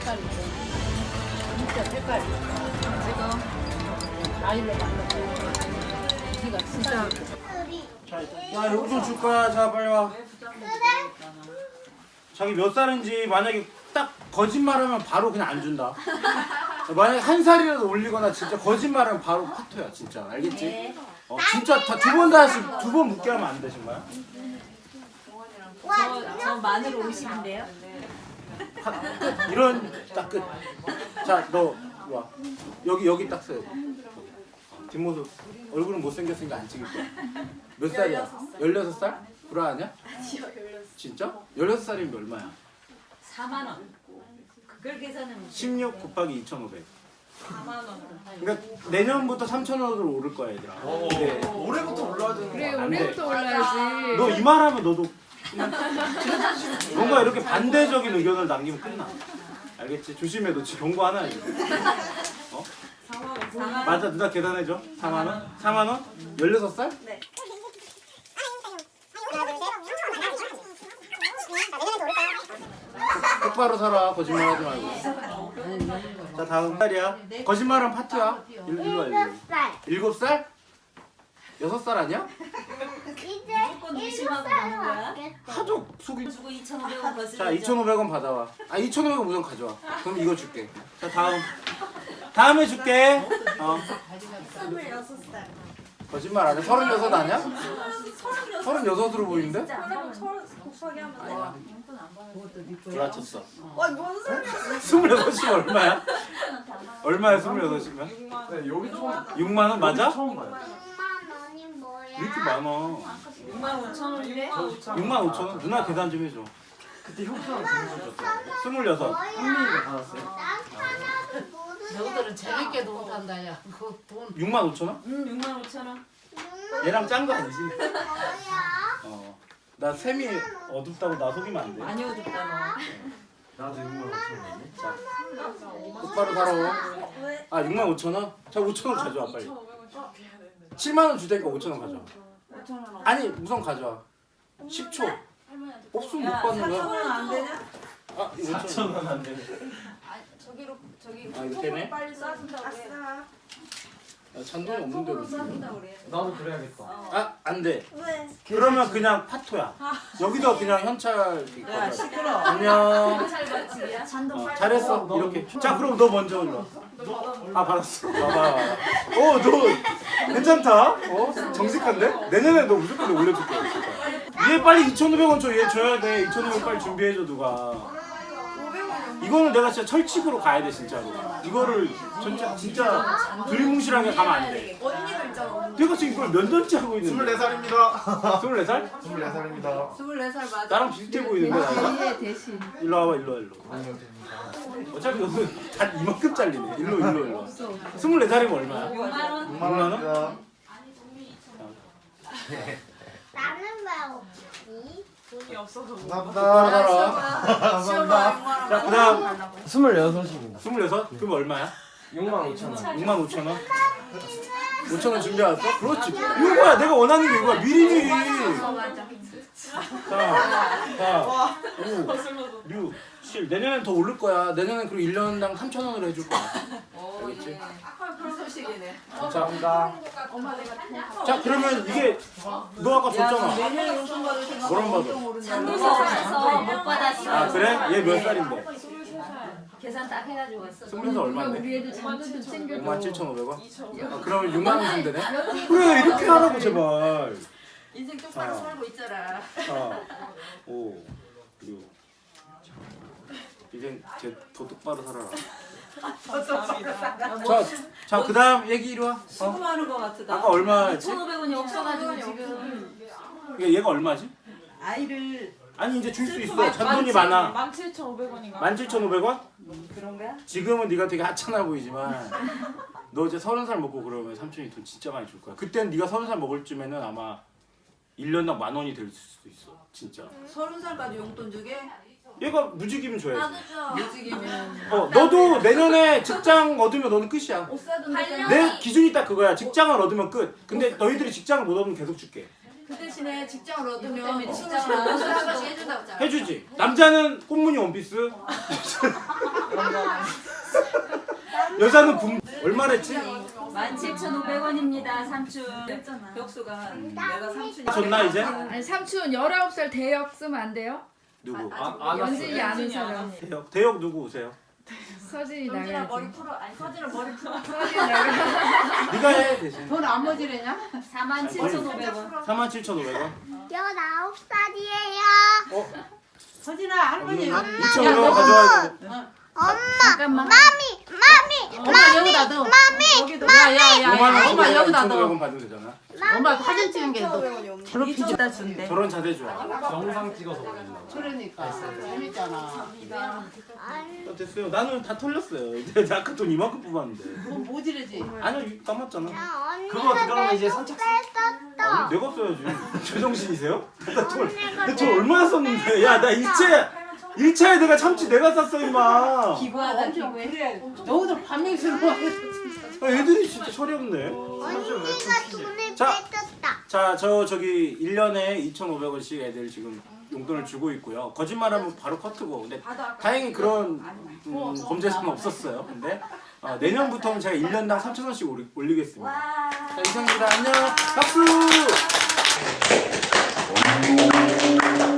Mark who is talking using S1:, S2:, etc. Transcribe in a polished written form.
S1: 색깔이 진짜 색깔이 지금 과일로 만들고 기가 진짜
S2: 자, 용돈 줄 거야. 자, 빨리 와. 자기 몇 살인지 만약에 딱 거짓말하면 바로 그냥 안 준다. 만약에 한 살이라도 올리거나 진짜 거짓말하면 바로 파토야, 진짜. 알겠지? 진짜 다 두 번 다시 두 번 묻게 하면 안 되신 거야?
S3: 저 마늘 50인데요.
S2: 끝. 이런 딱 끝. 자, 너 와. 여기 딱 서. 뒷모습. 얼굴은 못생겼으니까 안 찍을 거야. 몇 살이야? 16살? 불안하냐?
S3: 아니요, 16.
S2: 진짜? 16살이면 얼마야?
S3: 4만 원. 그걸 계산하면
S2: 16 곱하기 2,500.
S3: 4만 원.
S2: 그러니까 내년부터 3,000원으로 오를 거야, 얘들아. 근데
S4: 올해부터 올라야 되는
S1: 그래
S4: 거야.
S2: 안 돼.
S1: 올해부터 올라야지.
S2: 너 이 말하면 너도 그냥 뭔가 이렇게 반대적인 의견을 남기면 끝나. 알겠지? 조심해. 너 지금 경고 하나 해. 어?
S3: 4만 원.
S2: 맞아. 누나 계산해줘. 4만 원? 4만 원? 16살?
S3: 네.
S2: 똑바로 살아. 거짓말 하지 말고. 자, 다음 살이야. 거짓말은 파트야. 일로 와, 일로. 7살? 6살 아니야?
S3: 무조건 의심하고 가는 거야.
S2: 하도 속이.
S3: 주고 2,500원 거슬러.
S2: 자, 2,500원 받아와. 아, 2,500원 우선 가져와. 그럼 이거 줄게. 자, 다음에 줄게.
S3: 26살.
S2: 거짓말 안 해? 36 아니야? 36으로 보이는데?
S3: 그럼 30 곱하기 하면
S2: 아니야.
S1: 그것도
S2: 불안쳤어.
S3: 와뭔 소리야?
S2: 26이면 얼마야? 얼마야 26이면?
S4: 네, 여기 처음
S2: 6만 원 맞아?
S4: 처음 봐요.
S5: 6만 원이 뭐야?
S2: 왜 이렇게 많아?
S3: 6만 5천 원이래?
S2: 6만 5천 원? 누나 계산 좀 해줘.
S4: 그때 형수랑 보내주셨어요.
S2: 26.
S4: 형님이가 받았어요.
S5: 난 하나도 모르겠어.
S1: 너희들은 재밌게 논단다 야. 그 돈
S2: 6만 5천 원?
S3: 6만 5천 원.
S2: 얘랑 짠 거 아니지?
S5: 뭐야?
S2: 나 샘이 어둡다고 나 속이면 안 돼.
S3: 많이 어둡다
S4: 나도 6만 5천 원이네.
S2: 자, 똑바로 살아. 아, 6만 5천 원? 자, 5천 원 가져와 빨리. 7만 원 줄 테니까 5천 원 가져와. 아니, 우선 가져와. 10초. 없으면 못 받는 거야.
S3: 4,000원 안 되냐?
S2: 아, 이거 5천 원 안 돼.
S3: 저기
S2: 아, 이거 때문에?
S3: 빨리 싸준다고 해.
S2: 잔돈이 없는데
S3: 톡으로
S2: 무슨.
S3: 싸준다고 그래.
S4: 나도 그래야겠다.
S2: 아, 안 돼.
S3: 왜?
S2: 그러면 그냥 파토야. 여기다 그냥 현찰 이거
S3: 야
S2: 가져와.
S3: 시끄러.
S2: 안녕.
S3: 찰바치기야? 잔돈 빨리.
S2: 잘했어. 이렇게. 자, 그럼 너 먼저 일로 와. 아, 받았어. 봐봐. 너 괜찮다. 정직한데? 내년에 너 무조건 내 올려줄게. 얘 빨리 2,500원 줘. 얘 줘야 돼. 2,500원 빨리 준비해줘 누가. 이거는 내가 진짜 철칙으로 가야 돼 진짜로. 이거를 진짜 두리뭉실하게 가면 안 돼.
S3: 언니가 있잖아.
S2: 내가 지금 이걸 몇 년째 하고 있는데.
S4: 24살입니다.
S2: 24살?
S4: 24살입니다.
S3: 24살 맞아.
S2: 나랑 비슷해 보이는데 나이가?
S1: 대신에 대신
S2: 일로 와봐 일로 와 일로.
S4: 아니요, 됩니다.
S2: 어차피 너는 다 이만큼 잘리네. 일로. 24살이면 얼마야?
S3: 6만 원.
S2: 6만 원?
S5: 나는 왜 없지?
S4: 감사합니다.
S2: 감사합니다. 자, 그다음
S4: 26입니다.
S2: 26? 그럼 얼마야?
S4: 6만 5천 원.
S2: 6만 5천 원? 5천 원 준비해왔어? 그렇지. 이거야. 내가 원하는 게 이거야. 미리미리. 자, 5, 6, 7. 내년엔 더 오를 거야. 내년엔 그리고 1년당 3,000원으로 해줄 거야. 알겠지?
S3: 소식이네.
S2: 자, 그러면 이게 너 아까 줬잖아.
S3: 내년에 용돈 받을 생각.
S2: 뭐랑 받아?
S3: 잔돈에서 못 받았어.
S2: 아, 그래? 얘 몇 살인데?
S3: 계산 딱 해가지고 왔어.
S2: 20살 얼마인데?
S1: 우리 애들 잔돈 좀 챙겨줘.
S2: 57,500원? 아, 그러면 6만 원 주면 되네? 그래, 이렇게 하라고 제발.
S3: 인생 똑바로 살고 있잖아.
S2: 4, 5, 6. 이제 더 똑바로 살아라. 자, 그다음 얘기 이리 와.
S3: 수고하는 거 같다.
S2: 아까 얼마였지?
S3: 1,500원이 없어가지고 지금
S2: 얘가 얼마지?
S3: 아이를
S2: 아니 이제 줄 수 있어. 잔돈이 많아.
S6: 17,500원인가?
S2: 17,500원?
S3: 그런가?
S2: 지금은 네가 되게 하찮아 보이지만 너 이제 30살 먹고 그러면 삼촌이 돈 진짜 많이 줄 거야. 그때는 네가 30살 먹을 쯤에는 아마 1년당 10,000원이 될 수도 있어. 진짜.
S3: 30살까지 용돈 주게?
S2: 얘가 무직이면 줘야지.
S3: 무직이면
S2: 너도 내년에 직장 얻으면 너는 끝이야.
S3: 옷 사돈
S2: 내 기준이 딱 그거야. 직장을 얻으면 끝. 근데 너희들이 직장을 못 얻으면 계속 줄게.
S6: 그 대신에 직장을 얻으면
S3: 때문에
S6: 직장을
S3: 직장을
S6: 옷을 한 번씩 해준다고 했잖아.
S2: 해주지. 남자는 꽃무늬 원피스. 여자는 얼마랬지?
S3: 17,500원입니다. 삼촌. 벽수가 내가 삼촌이.
S2: 줬나 이제?
S7: 아니 삼촌 19살 대역 쓰면 안 돼요?
S2: 누구?
S7: 연진이 아는 사람.
S2: 대역 누구 오세요?
S7: 서진이
S6: 영진아
S7: 나가야지.
S6: 머리 풀어. 아니 서진아 머리 풀어.
S7: 서진이 나가.
S2: 네가 해 대신.
S1: 돈 안 모지래냐?
S3: 47,500원.
S2: 47,500원.
S5: 19살이에요.
S2: 어?
S1: 서진아 할머니.
S2: 2,500원 가져와야 돼.
S5: 엄마,
S7: 잠깐만.
S1: 엄마 여기다 넣어.
S3: 여기도
S1: 야야야.
S2: 5만 원
S1: 엄마
S2: 주고
S1: 여기다 넣어.
S2: 2,500원 받으면 되잖아.
S1: 엄마 사진 찍은 게 너.
S3: 이쪽에다 준대.
S2: 저런 자세 좋아.
S4: 영상 찍어서 올린다고.
S1: 그러니까 재밌잖아.
S2: 됐어요. 나는 다 털렸어요. 이제 아까 돈 이만큼 뽑았는데.
S1: 돈 모지래지.
S2: 아니요 남았잖아.
S5: 언니가
S4: 그러면 이제 선착순.
S5: 뺐었어.
S2: 아니, 내가 써야지. 제정신이세요? 나돈 얼마나 썼는데? 야 나 일차에 내가 참치 내가 쌌어 임마.
S3: 기부하다 기부해.
S1: 그래. 너희들 반명스러워.
S2: 애들이 진짜 철이 없네.
S5: 언니가 돈을
S2: 자.
S5: 뺐었다.
S2: 자, 저기 1년에 2,500원씩 애들 지금 용돈을 주고 있고요. 거짓말하면 바로 커트고. 근데 다행히 그런 범죄수는 없었어요. 근데 내년부터는 제가 1년당 3,000원씩 올리겠습니다. 자, 이상입니다. 안녕. 박수.